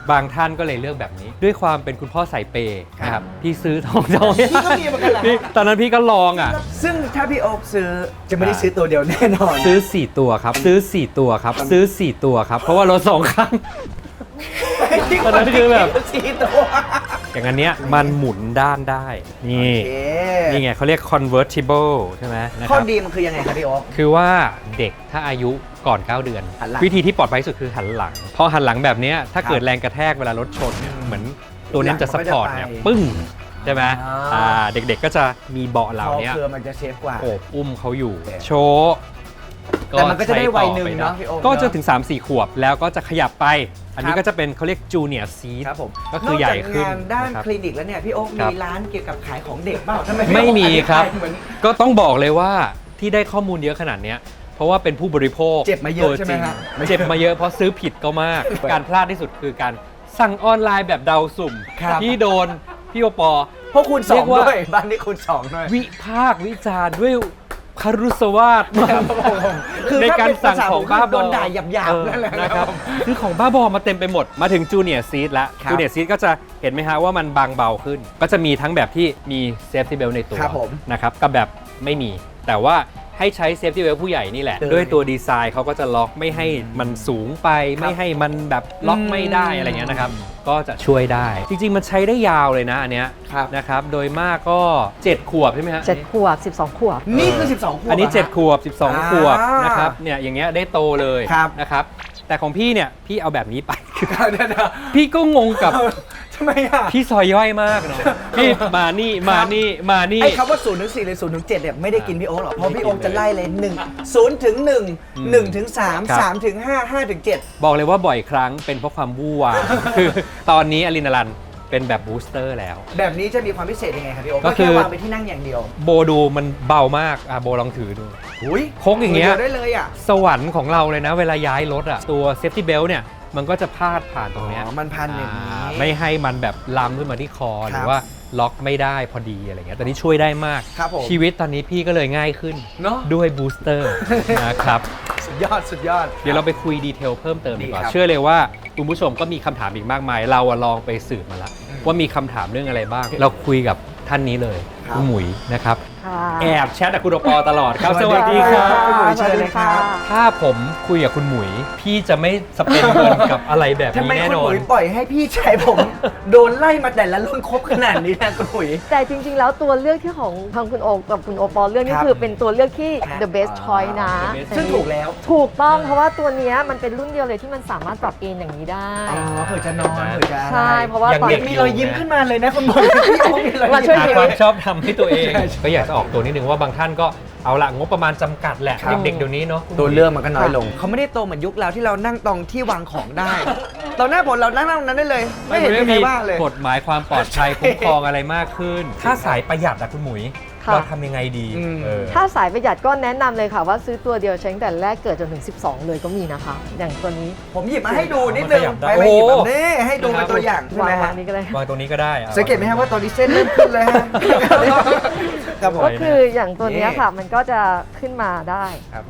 [SPEAKER 1] บางท่านก็เลยเลือกแบบนี้ ด้วยความเป็นคุณพ่อสายเปย์นะครับพี่ซื้อทองจอง
[SPEAKER 2] พี่ก็มีเหมือนกันเหรอ
[SPEAKER 1] พี่ตอนนั้นพี่ก็ลองอ่ะ
[SPEAKER 2] ซึ่งถ้าพี่โอ๊คซื้อจะไม่ได้ซื้อตัวเดียวแน่นอน
[SPEAKER 1] ซื้อ 4 ตัวครับ ซื้อ 4 ตัวครับ ซื้อ 4 ตัวครับ เพราะว่ารถ2 คัน ตอนนั้นคือแบบ
[SPEAKER 2] สี่ตัว
[SPEAKER 1] อย่างอันเนี้ยมันหมุนด้านได้ นี่
[SPEAKER 2] โอเค
[SPEAKER 1] นี่ไงเขาเรียก convertible ใช่ไหมนะค
[SPEAKER 2] ข้อ
[SPEAKER 1] รับ
[SPEAKER 2] ดีมันคือยังไงครับพี่โอ๊ค
[SPEAKER 1] คือว่าเด็กถ้าอายุก่อน 9 เดือน
[SPEAKER 2] หันหลัง
[SPEAKER 1] วิธีที่ปลอดภัยที่สุดคือหันหลัง พอหันหลังแบบเนี้ยถ้า
[SPEAKER 2] ครับ
[SPEAKER 1] เกิดแรงกระแทกเวลารถชนเนี่ยเหมือนตัวนี้จะ
[SPEAKER 2] หลั
[SPEAKER 1] ซั
[SPEAKER 2] ง
[SPEAKER 1] พ
[SPEAKER 2] มันก็จะ
[SPEAKER 1] พอร์ตเนี่ย
[SPEAKER 2] ไป
[SPEAKER 1] ปึ้งใช่ไหม
[SPEAKER 2] อ่า
[SPEAKER 1] เด็กๆก็จะมีเบาะเหล่านี้
[SPEAKER 2] เพื่อมันจะเซฟกว่า
[SPEAKER 1] โอบอุ้มเขาอยู่
[SPEAKER 2] โอเค
[SPEAKER 1] โชว์
[SPEAKER 2] แต่มันก็จะได้วัยหนึ่ง
[SPEAKER 1] ใช้ต่อไป
[SPEAKER 2] เนอะพี่โอ๊ค
[SPEAKER 1] ก็จะ
[SPEAKER 2] เนอะ
[SPEAKER 1] ถึง 3-4 ขวบแล้วก็จะขยับไป อันนี้
[SPEAKER 2] ครับ
[SPEAKER 1] ก็จะเป็นเขาเรียกจูเนียร์ซีท
[SPEAKER 2] ครับผม
[SPEAKER 1] ก็คือใหญ่ขึ้น
[SPEAKER 2] นอกจากงานด้าน
[SPEAKER 1] นะครับ
[SPEAKER 2] คลินิกแล้วเนี่ยพี่โอ๊ค
[SPEAKER 1] ครั
[SPEAKER 2] มี
[SPEAKER 1] บ
[SPEAKER 2] ร้านเกี่ยวกับขายของเด็กเปล่าทำไมพี่
[SPEAKER 1] ไม่
[SPEAKER 2] โอ๊ค
[SPEAKER 1] มี
[SPEAKER 2] อธิ
[SPEAKER 1] ครับ
[SPEAKER 2] เหมือน
[SPEAKER 1] ก็ต้องบอกเลยว่าที่ได้ข้อมูลเยอะขนาดเนี้ยเพราะว่าเป็นผู้บริโภค
[SPEAKER 2] เจ็บมาเยอะ
[SPEAKER 1] ตัว
[SPEAKER 2] ใช่ไหม
[SPEAKER 1] จริง
[SPEAKER 2] ฮะ
[SPEAKER 1] เจ็บมาเยอะเพราะซื้อผิดก็มาก การพลาดที่สุดคือการสั่งออนไลน์แบบเดาสุ่ม
[SPEAKER 2] ครับ
[SPEAKER 1] ที่โดนพี่โอปอ
[SPEAKER 2] เพราะคูณส
[SPEAKER 1] เรี
[SPEAKER 2] อย ง
[SPEAKER 1] กว่า
[SPEAKER 2] ด้วยบ้านนี้คูณสองด้วย
[SPEAKER 1] วิพากษ์วิจารณ์ด้วยคารุสวาสมาก
[SPEAKER 2] คือ
[SPEAKER 1] ใน
[SPEAKER 2] ถ้า
[SPEAKER 1] การ
[SPEAKER 2] เป็น
[SPEAKER 1] สั่ง
[SPEAKER 2] ภาษา
[SPEAKER 1] ของ
[SPEAKER 2] ผม
[SPEAKER 1] บ้า
[SPEAKER 2] คือ
[SPEAKER 1] บ
[SPEAKER 2] โด
[SPEAKER 1] อน
[SPEAKER 2] ด่าหยาบๆนั่นแหละ
[SPEAKER 1] นะครับคือของบ้าบอมาเต็มไปหมดมาถึงจูเนียร์ซีทแล้ว
[SPEAKER 2] ครับ
[SPEAKER 1] จูเนียร์ซีทก็จะเห็นไหมฮะว่ามันบางเบาขึ้น ก็จะมีทั้งแบบที่มีเซฟตี้เบลในตัว
[SPEAKER 2] ครับผม
[SPEAKER 1] นะครับกับแบบไม่มี แต่ว่าให้ใช้เซฟตี้เบลผู้ใหญ่นี่แหละ
[SPEAKER 2] เลย
[SPEAKER 1] ด้วยตัวดีไซน์เขาก็จะล็อกไม่ให้มันสูงไป ไม่ให้มันแบบล็อกไม่ได้อะไรเงี้ยนะครับก็จะช่วยได้ จริงๆมันใช้ได้ยาวเลยนะอันเนี้ย
[SPEAKER 2] ครับ
[SPEAKER 1] นะครับโดยมากก็ 7 ขวบใช่ไหมฮะ
[SPEAKER 8] 7 ขวบ 12 ขวบ
[SPEAKER 2] นี่คือ 12 ขวบ
[SPEAKER 1] อันนี้
[SPEAKER 2] เหรฮะ
[SPEAKER 1] 7 ขวบ 12 ขวบ
[SPEAKER 2] อ่าน
[SPEAKER 1] นะครับเนี่ยอย่างเงี้ยได้โตเลย
[SPEAKER 2] ครับ
[SPEAKER 1] นะครับแต่ของพี่เนี่ยพี่เอาแบบนี้ไป
[SPEAKER 2] เดี๋ยว
[SPEAKER 1] พี่ก็งงกับ
[SPEAKER 2] ทำไมอ่ะ
[SPEAKER 1] พี่ซอยย่อยมากเนาะพี่มานี่มานี่มานี่
[SPEAKER 2] ไอ้คำว่า0ถึง4หรือ0ถึง7เนี่ยไม่ได้กินพี่โอ๊คหรอกเพราะพี่โอ๊คจะไล่เลย1 0ถึง1 1ถึง3 3ถึง5 5ถึง7
[SPEAKER 1] บอกเลยว่าบ่อยครั้งเป็นเพราะความวู่วาม คือตอนนี้อลินารันเป็นแบบบูสเตอร์แล้ว
[SPEAKER 2] แบบนี้จะมีความพิเศษยังไงครับพี่โอ๊ค
[SPEAKER 1] ก็
[SPEAKER 2] ก็
[SPEAKER 1] คื
[SPEAKER 2] แค่
[SPEAKER 1] อ
[SPEAKER 2] วางไปที่นั่งอย่างเดียว
[SPEAKER 1] โบดูมันเบามากโบลองถือดู
[SPEAKER 2] อุ้ย
[SPEAKER 1] พกอย่างเงี้ย
[SPEAKER 2] ดีวได้เลยอ่ะ
[SPEAKER 1] สวรรค์ของเราเลยนะ เวลาย้ายรถอ่ะตัวเซฟตี้เบลเนี่ยมันก็จะพาดผ่านตรงเนี้ย
[SPEAKER 2] อ๋อมันพันอย่างนี้
[SPEAKER 1] ไม่ให้มันแบบล้ำขึ้นมาที่คอ
[SPEAKER 2] ครับ
[SPEAKER 1] หรือว่าล็อกไม่ได้พอดีอะไรเงี้ยตอนนี้ช่วยได้มาก
[SPEAKER 2] ครับผม
[SPEAKER 1] ชีวิตตอนนี้พี่ก็เลยง่ายขึ้น
[SPEAKER 2] เนอะ
[SPEAKER 1] ด้วยบูสเตอร์ นะครับ
[SPEAKER 2] สุดยอดสุดยอด
[SPEAKER 1] เดี๋ยวเราไปคุยดีเทลเพิ่มเติมดีกว่า
[SPEAKER 2] ดีครับ
[SPEAKER 1] เชื่อเลยว่าคุณผู้ชมก็มีคำถามอีกมากมาย เราอะลองไปสืบมาแล้ว ว่ามีคำถามเรื่องอะไรบ้าง เราคุยกับท่านนี้เลย
[SPEAKER 2] ครับ
[SPEAKER 1] คุณหมุยนะครับ
[SPEAKER 8] ค่ะ
[SPEAKER 1] แอบแชทกับคุณโอปอตลอดครับ
[SPEAKER 2] ส
[SPEAKER 1] ส
[SPEAKER 2] วั
[SPEAKER 1] วั
[SPEAKER 2] ส
[SPEAKER 1] ส
[SPEAKER 2] ดี
[SPEAKER 1] ดี
[SPEAKER 2] ค
[SPEAKER 1] ค
[SPEAKER 2] รั
[SPEAKER 1] รับ บ
[SPEAKER 2] คุณหมุยเชิญเลยครับ
[SPEAKER 1] ถ้าผมคุยกับคุณหมุย พี่จะไม่สเปนเงินกับอะไรแบบ
[SPEAKER 2] ทำ
[SPEAKER 1] นี้
[SPEAKER 2] ไม
[SPEAKER 1] แน่
[SPEAKER 2] คุณ
[SPEAKER 1] นอ
[SPEAKER 2] ห
[SPEAKER 1] น
[SPEAKER 2] มุยปล่อยให้พี่ชายผม โดนไล่มาแต่ละรุ่นครบขนาดนี้นะคุณหมุย
[SPEAKER 8] แต่จริงๆ แล้วตัวเลือกที่ของทางคุณโอกับคุณโอปอลเลือกนี่
[SPEAKER 2] ครับ
[SPEAKER 8] คือเป็นตัวเลือกที่
[SPEAKER 2] ครับ
[SPEAKER 8] the best choice นะ
[SPEAKER 1] The best
[SPEAKER 2] ซึ่งถูกแล้ว
[SPEAKER 8] ถูกต้องเพราะว่าตัวเนี้ยมันเป็นรุ่นเดียวเลยที่มันสามารถปรับเอนอย่างนี้ได้
[SPEAKER 2] อ๋อเผื่อจะนอนเผื่อจะอะไร
[SPEAKER 8] ใช่เพราะว่า
[SPEAKER 1] อย่าง
[SPEAKER 8] ตอน
[SPEAKER 1] เด็ก
[SPEAKER 2] มีรอยยิ้มขึ้นมาเลยนะคุณหมุยพี่โอ๊คมีรอย
[SPEAKER 8] มาช่วย
[SPEAKER 1] หา
[SPEAKER 8] ชี
[SPEAKER 1] ค
[SPEAKER 8] วิ
[SPEAKER 1] วา
[SPEAKER 8] ต
[SPEAKER 1] มชอบทำให้ตัวเอง
[SPEAKER 2] ใช่
[SPEAKER 1] ก็อยากจะออกตัวนิดนึงว่าบางท่านก็เอาละงบประมาณจำกัดแหละ
[SPEAKER 2] ครับ
[SPEAKER 1] เด็กๆเดี๋ยวนี้เนาะ
[SPEAKER 2] ตัวเลือกมันก็น้อยลง เขาไม่ได้โตเหมือนยุคเราที่เรานั่งตรงที่วางของได้ ตอนหน้าผมเรานั่งตรงนั้นได้เลย ไม่เห็นมีใครว่าเลย
[SPEAKER 1] กฎหมายความปลอดภัยคุ้มครองอะไรมากขึ้น ถ้าสายประหยัดอะคุณหมุย
[SPEAKER 8] ค่ะ
[SPEAKER 1] เราทำยังไงดี
[SPEAKER 2] อืม
[SPEAKER 1] เออ
[SPEAKER 8] ถ้าสายประหยัดก็แนะนำเลยค่ะว่าซื้อตัวเดียวใช้ตั้งแต่แรกเกิดจนถึง 12 เลยก็มีนะคะ อย่างตัวนี้
[SPEAKER 2] ผมหยิบมาให้ดูนิดนึง
[SPEAKER 1] มันขยับได้
[SPEAKER 2] ไปหยิบแบบ
[SPEAKER 1] โอ้
[SPEAKER 2] นี้ให้ดูเป็นตัวอย่างใช่ไหม
[SPEAKER 8] วาง
[SPEAKER 2] ฮะ
[SPEAKER 8] นี้ก็เลย
[SPEAKER 1] วางตรงนี้ก็ได้อา
[SPEAKER 2] สังเกตไหมครับว่าตอนนี้เส้นเริ่มขึ้นเลยฮะครับผม
[SPEAKER 8] ก็คืออย่างตัวเนี้ยค่ะ มันก็จะขึ้นมาได้
[SPEAKER 2] ครับผม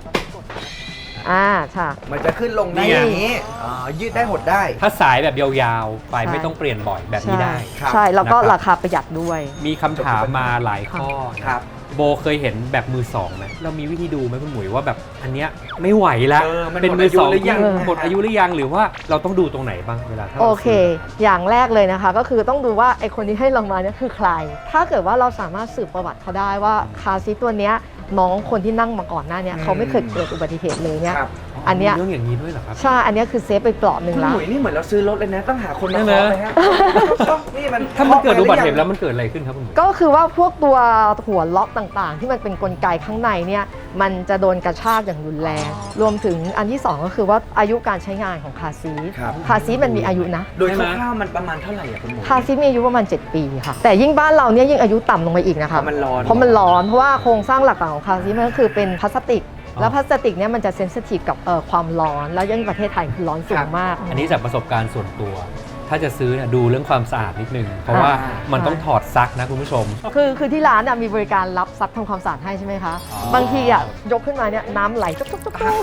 [SPEAKER 8] ค่ะ
[SPEAKER 2] มันจะขึ้นลงได้อย่างนี้อ๋อยืดได้หดได้
[SPEAKER 1] ถ้าสายแบบยาวๆ ไป
[SPEAKER 8] ใช่
[SPEAKER 1] ไม่ต้องเปลี่ยนบ่อยแบบนี้ได้
[SPEAKER 2] ครับ
[SPEAKER 8] ใช่แล้วก็
[SPEAKER 1] นะครับ
[SPEAKER 8] ราคาประหยัดด้วย
[SPEAKER 1] มีคำถามมาหลายข้อ
[SPEAKER 2] ครับ
[SPEAKER 1] โบเคยเห็นแบบมือสองไหมเรามีวิธีดูไหมคุณหมุยว่าแบบอันเนี้ยไม่ไหวแล้ว
[SPEAKER 2] มัน
[SPEAKER 1] เป็นมือสอง
[SPEAKER 2] หมดอายุหรือยัง
[SPEAKER 1] หมดอายุหรือยังหรือว่าเราต้องดูตรงไหนบ้างเวลาถ้า
[SPEAKER 8] โอ
[SPEAKER 1] เรา
[SPEAKER 8] เค
[SPEAKER 1] ซื้อ
[SPEAKER 8] อย่างแรกเลยนะคะ ก็คือต้องดูว่าไอคนที่ให้เรามาเนี่ยคือใคร ถ้าเกิดว่าเราสามารถสืบประวัติเขาได้ว่าคาร์ซีทตัวเนี้ยน้องคนที่นั่งมาก่อนหน้าเนี้ยเขาไม่เคยเกิดอุบัติเหตุเลยเนี่ย
[SPEAKER 2] ครับ
[SPEAKER 8] อันเนี้ย
[SPEAKER 1] มีเรื่องอย่างนี้ด้วยเหรอครับ
[SPEAKER 8] ใช่ อันเนี้ยคือเซฟไปเปลาะหนึ่ง
[SPEAKER 2] คุณ
[SPEAKER 8] ละ
[SPEAKER 2] หมุยนี่เหมือนเราซื้อรถเลยนะ ต้องหาคนมา
[SPEAKER 1] ใช่
[SPEAKER 2] เค
[SPEAKER 1] ไหม
[SPEAKER 2] าะเลยฮะนี่มัน
[SPEAKER 1] ถ้ามันเกิดอุบัติเหตุ
[SPEAKER 2] คาะไป
[SPEAKER 1] แล้วมันเกิดอะไรขึ้นครับคุณหมุย
[SPEAKER 8] ก็คือว่าพวกตัวหัวล็อกต่างๆ ที่มันเป็นกลไกข้างในเนี่ยมันจะโดนกระชากอย่างรุนแรง รวมถึงอันที่ 2 ก็คือว่าอายุการใช้งานของคาร์ซีท
[SPEAKER 2] ครับ
[SPEAKER 8] คาร์ซีทมันมีอายุนะ
[SPEAKER 2] โดยคร่าวๆมันประมาณเท่าไหร่อะคุณหมุย
[SPEAKER 8] คาร์ซีทมีอายุประมาณ 7 ปีค่ะ แต่ยิ่งบ้านเราเนี่ยยิ่งอายุต่ำลงไปอีกนะคะ
[SPEAKER 2] เพราะมันร้อน
[SPEAKER 8] เพราะมันร้อน เพราะว่าโครงสร้างหลักๆของคาร์ซีทมันก็คือเป็นพลาสติก แล้วพลาสติกเนี่ยมันจะเซนซิทีฟกับความร้อน แล้วยิ่งประเทศไทยคือร้อนสูงมาก
[SPEAKER 1] อันนี้จากประสบการณ์ส่วนตัว ถ้าจะซื้อเนี่ยดูเรื่องความสะอาดนิดนึง เพราะว่ามันต้องถอดซักนะคุณผู้ชม
[SPEAKER 8] คือที่ร้านมีบริการรับซักทำความสะอาดให้ใช่ไหมคะ
[SPEAKER 1] อ๋อ
[SPEAKER 8] บางทียกขึ้นมาเนี่ยน้ำไหลจุ๊บ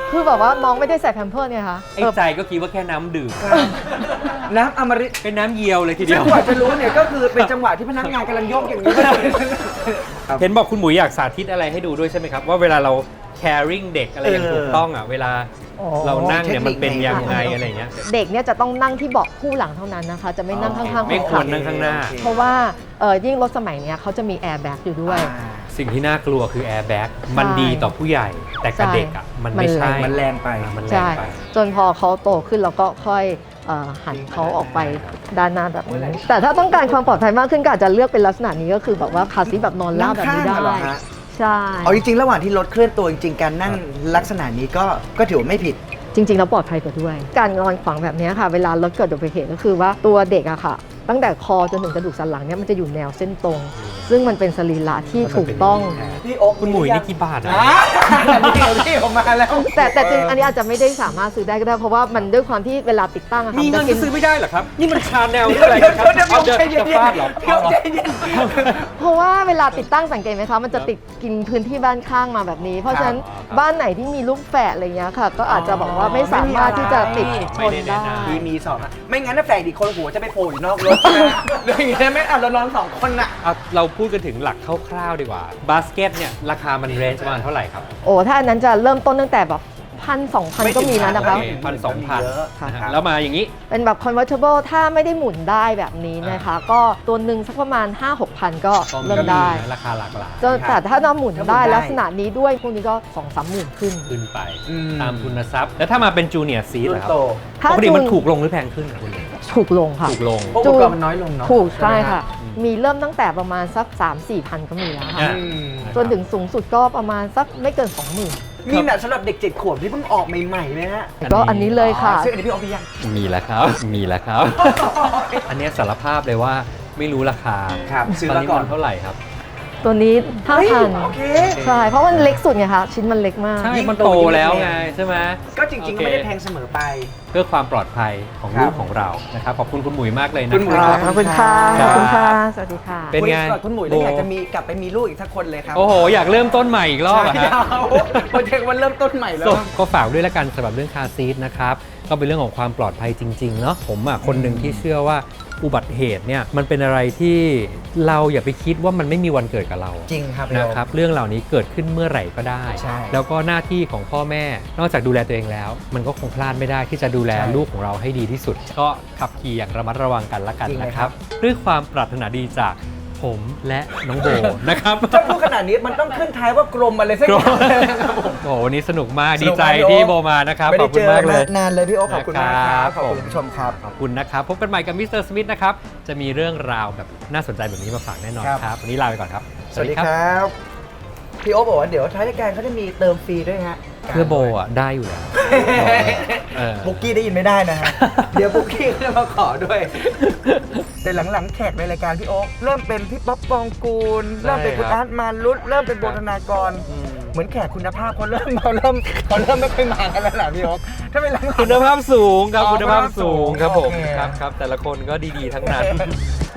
[SPEAKER 8] คือแบบว่าน้องไม่ได้ใส่แพมเพิร์สเนี่ยค่ะ
[SPEAKER 1] ไอ้ใจก็คิดว่าแค่น้ำดื่ม
[SPEAKER 2] น้ำอมฤต
[SPEAKER 1] เป็นน้ำเยียวเลยทีเดี
[SPEAKER 2] ซึ่
[SPEAKER 1] ยว
[SPEAKER 2] งกว่าจะรู้เนี่ยก็คือเป็นจังหวะที่พนักงานกำลังโยกอย่างนี้
[SPEAKER 1] เห็นบอกคุณหมุยอยากสาธิตอะไรให้ดูด้วยใช่ไหมครับ ว่าเวลาเรา caring เด็กอะไรอย่างถูกต้องอ่ะเวลา
[SPEAKER 2] อ๋อ
[SPEAKER 1] เรานั่งเนี่ยมันเป็น
[SPEAKER 2] เทคนิค
[SPEAKER 1] ยังไง
[SPEAKER 2] ไง
[SPEAKER 1] อะไรอย่างเงี้ย
[SPEAKER 8] เด็กเนี่ยจะต้องนั่งที่เบาะคู่หลังเท่านั้นนะคะ จะไม่นั่งข้างๆ
[SPEAKER 1] ไม่
[SPEAKER 8] คน
[SPEAKER 1] คว
[SPEAKER 8] ขั
[SPEAKER 1] ร
[SPEAKER 8] บ
[SPEAKER 1] นั่งข้างหน้า
[SPEAKER 8] เพราะว่ายิ่งรถสมัยเนี้ยเขาจะมีแอร์แบ็กอยู่ด้วย
[SPEAKER 1] สิ่งที่น่ากลัวคือ airbag มันดีต่อผู้ใหญ่ แต่กับเด็กอ่ะมันไม่ใช่
[SPEAKER 2] มันแรงไป
[SPEAKER 1] มันแรง
[SPEAKER 8] ใช่
[SPEAKER 1] ไป
[SPEAKER 8] จนพอเขาโตขึ้นเราก็ค่อยหันเขาออกไปด้านหน้าแบบนี้แต่ถ้าต้องการความปลอดภัยมากขึ้นก็อาจจะเลือกเป็นลักษณะนี้ก็คือแบบว่าคาร์ซีทแบบนอนราบแบบนี้ได้
[SPEAKER 2] นั่งข้างเหรอฮะ
[SPEAKER 8] ใช่
[SPEAKER 2] เอาจริงๆระหว่างที่รถเคลื่อนตัวจริงๆการนั่งลักษณะนี้ก็ถือว่าไม่ผิด
[SPEAKER 8] จริงๆแล้วปลอดภัยกว่าด้วย การนอนขวางแบบนี้ค่ะ เวลารถเกิดอุบัติเหตุก็คือว่าตัวเด็กอะค่ะ ตั้งแต่คอจนถึงกระดูกสันหลังเนี่ยมันจะอยู่แนวเส้นตรง ซึ่งมันเป็นสรีระที่ถูกต้อง
[SPEAKER 2] พี่โอ๊ค
[SPEAKER 1] คุณหมุยนี่กี่บาทอ่ะ
[SPEAKER 2] นี่ออกมาแล้ว
[SPEAKER 8] แต่จริงอันนี้อาจจะไม่ได้สามารถซื้อได้ก็ได้เพราะว่ามันด้วยความที่เวลาติดตั้งอะค่ะ
[SPEAKER 1] มีเงิน
[SPEAKER 8] จะ
[SPEAKER 1] ก็ซื้อไม่ได้เหรอครับ นี่มันชาแนล
[SPEAKER 2] เดี๋
[SPEAKER 1] นี่อะไรกันครับ
[SPEAKER 2] ยว
[SPEAKER 1] เอาจะ
[SPEAKER 2] ใจเย็น
[SPEAKER 1] จะฟาดเหรอ
[SPEAKER 2] เดี๋ยวใจเย็น
[SPEAKER 8] เพราะว่าเวลาติดตั้งสังเกตไหมคะมันจะติดกินพื้นที่บ้านข้างมาแบบนี้ เพราะฉะนั้นบ้านไหนที่มีลูกแฝดอะไรเงี้ยค่ะ ก็อาจจะบอกว่าไม่สามารถที่จะติดชนได้
[SPEAKER 2] มีสองอะไม่งั้นถ้าแฝงอีกคนหัวจะไปโผล่อยู่นอกรถอย่างนี้ไหมเรานอนสองคนน่ะ
[SPEAKER 1] เอาเราพูดกันถึงหลักคร่าวๆดีกว่า บาสเกตเนี่ยราคามันเรนจ์ประมาณเท่าไหร่ครับ
[SPEAKER 8] โอ้ถ้าอันนั้นจะเริ่มต้นตั้งแต่แบบ1,000-2,000 ก็มีนะนะคะ
[SPEAKER 1] 1,000-2,000
[SPEAKER 2] เยอะครับ
[SPEAKER 1] แล้วมาอย่างนี้
[SPEAKER 8] เป็นแบบ convertible ถ้าไม่ได้หมุนได้แบบนี้นะคะ ก็ตัวหนึ่งสักประมาณ 5-6,000 ก็เริ่มได้
[SPEAKER 1] ราคาหลากหลาย
[SPEAKER 8] แต่ถ้าเราหมุนได้
[SPEAKER 2] ถ้าหมุนได้
[SPEAKER 8] ลักษณะนี้ด้วยพวกนี้ก็ 2-3 หมื่นขึ้น
[SPEAKER 1] ขึ้นไป
[SPEAKER 2] อืม
[SPEAKER 1] ตามทุนทรัพย์ แล้วถ้ามาเป็นจูเนียร์ซีเหรอครับ
[SPEAKER 2] โต
[SPEAKER 8] ถ้า
[SPEAKER 1] ปกติมัน
[SPEAKER 8] จูน
[SPEAKER 1] ถูกลงหรือแพงขึ้นครับคุณ
[SPEAKER 8] ถูกลงค่ะ
[SPEAKER 1] ถูกลง
[SPEAKER 2] เพราะอุปกรณ์มันน้อยลงเนาะ
[SPEAKER 8] ถูกใช่
[SPEAKER 2] ไหมฮ
[SPEAKER 8] ค่ะ มีเริ่มตั้งแต่ประมาณสัก 3-4 พันก็มีแล้วค่ะ
[SPEAKER 1] อ่ะ
[SPEAKER 2] อืม
[SPEAKER 8] จนถึงสูงสุดก็ประมาณสักไม่เกิน 20,000
[SPEAKER 2] มีแบบสำหรับเด็ก7 ขวบที่เพิ่งออกใหม่ๆไหมฮะ
[SPEAKER 8] ก็อันนี้เลยค่ะ
[SPEAKER 2] ซึ่งอันนี้พี่โอ๊คพี่ยัง
[SPEAKER 1] มีแล้วครับ มีแล้วครับ อันเนี้ยสารภาพเลยว่าไม่รู้ราคา
[SPEAKER 2] ครับซื้อ
[SPEAKER 1] ตอน
[SPEAKER 2] มา
[SPEAKER 1] นี้
[SPEAKER 2] ก่อ
[SPEAKER 1] มัน นเท่าไหร่ครับ
[SPEAKER 8] ตัวนี้
[SPEAKER 2] เฮ้ย
[SPEAKER 8] 5,000
[SPEAKER 2] โอเค
[SPEAKER 8] ใช่ เพราะมันเล็กสุดไงคะชิ้นมันเล็กมาก
[SPEAKER 1] ใช่ มันโตแล้วไงใช่ไหม
[SPEAKER 2] ก็จริงๆก็ไม่ได้แพงเสมอไป
[SPEAKER 1] เพื่อความปลอดภัยของ
[SPEAKER 2] ครับ
[SPEAKER 1] ลูกของเรานะครับ ขอบคุณคุณหมุยมากเลยนะ
[SPEAKER 2] คุณหมุ
[SPEAKER 1] ค
[SPEAKER 2] ย
[SPEAKER 1] รับ
[SPEAKER 8] ขอบคุณค่ะ
[SPEAKER 1] ค
[SPEAKER 8] ข
[SPEAKER 1] รับ
[SPEAKER 8] อบคุณค่ะ สวัสดีค่ะ
[SPEAKER 1] เป็นไง
[SPEAKER 2] คุณหมุยแล้วอยากจะมีกลับไปมีลูกอีกสักคนเลยครับ
[SPEAKER 1] โอ้โห อยากเริ่มต้นใหม่อีกรอบอะ
[SPEAKER 2] ใช่
[SPEAKER 1] ฮะ
[SPEAKER 2] เอาโปรเจกต์วันเริ่มต้นใหม่แล้ว
[SPEAKER 1] ก็ฝากด้วยละกันสำหรับเรื่องคาร์ซีทนะครับ ก็เป็นเรื่องของความปลอดภัยจริงๆเนาะผมอ่ะคนหนึ่งที่เชื่อว่าอุบัติเหตุเนี่ยมันเป็นอะไรที่เราอย่าไปคิดว่ามันไม่มีวันเกิดกับเรา
[SPEAKER 2] จริงครับ
[SPEAKER 1] นะครับเรื่องเหล่านี้เกิดขึ้นเมื่อไหร่ก็ได้
[SPEAKER 2] ใช่
[SPEAKER 1] แล้วก็หน้าที่ของพ่อแม่นอกจากดูแลตัวเองแล้ว มันก็คงพลาดไม่ได้ที่จะดูแล
[SPEAKER 2] ใช่
[SPEAKER 1] ลูกของเราให้ดีที่สุด ก็ขับขี่อย่างระมัดระวังกันละกัน
[SPEAKER 2] จริงเลย
[SPEAKER 1] นะค
[SPEAKER 2] ครั
[SPEAKER 1] รับ บด้วยความปรารถนาดีจากผมและน้องโบ นะครับ
[SPEAKER 2] ถ้าพูดขนาดนี้มันต้องขึ้นท้ายว่ากรมอะไรสักอย่างนะครับผม
[SPEAKER 1] โอ้โหวันนี้สนุกมาก
[SPEAKER 2] ส
[SPEAKER 1] ดี
[SPEAKER 2] นุก
[SPEAKER 1] ใจ
[SPEAKER 2] มากพี่โอ๊ค
[SPEAKER 1] ที่โบมานะครับ
[SPEAKER 2] ไม่
[SPEAKER 1] ข
[SPEAKER 2] ได้
[SPEAKER 1] อบคุ
[SPEAKER 2] เจ
[SPEAKER 1] ณ
[SPEAKER 2] อ
[SPEAKER 1] มากเลย
[SPEAKER 2] นานเลยพี่โอ๊คขอบคุณมากครับ
[SPEAKER 1] ครับ
[SPEAKER 2] ขอบคุณผู้ชมครับ
[SPEAKER 1] ขอบคุณนะครับ พบกันใหม่กับมิสเตอร์สมิธนะครับ จะมีเรื่องราวแบบน่าสนใจแบบนี้มาฝากแน่นอน
[SPEAKER 2] ครับ
[SPEAKER 1] ครับ วันนี้ลาไปก่อนครับ
[SPEAKER 2] สวัสดีครับ พี่โอ๊คบอกว่าเดี๋ยวท้ายรายการเขาจะมีเติมฟรีด้วยฮะ
[SPEAKER 1] เพื่อโบอ่ะได้อยู่แล้วเออ
[SPEAKER 2] บุกกี้ได้ยินไม่ได้นะฮะ เดี๋ยวบุกกี้เขาจะมาขอด้วย แต่หลังๆแขกในรายการพี่โอ๊คเริ่มเป็นพี่ป๊อปปองกูล
[SPEAKER 1] ใช่
[SPEAKER 2] เริ่มเป็นคุณ
[SPEAKER 1] ครับ
[SPEAKER 2] อาร์ตมารุตเริ่มเป็นโบธนากร เหมือนแขกคุณภาพเขาเริ่มไม่ค่อยมากันแล้วล่ะพี่โอ๊คถ้าเป็นหลังๆ
[SPEAKER 1] คุณภาพสูงครับ
[SPEAKER 2] อ๋อ
[SPEAKER 1] คุณภาพสูงครับผม
[SPEAKER 2] โอเค
[SPEAKER 1] ครับแต่ละคนก็ดีๆทั้งนั้น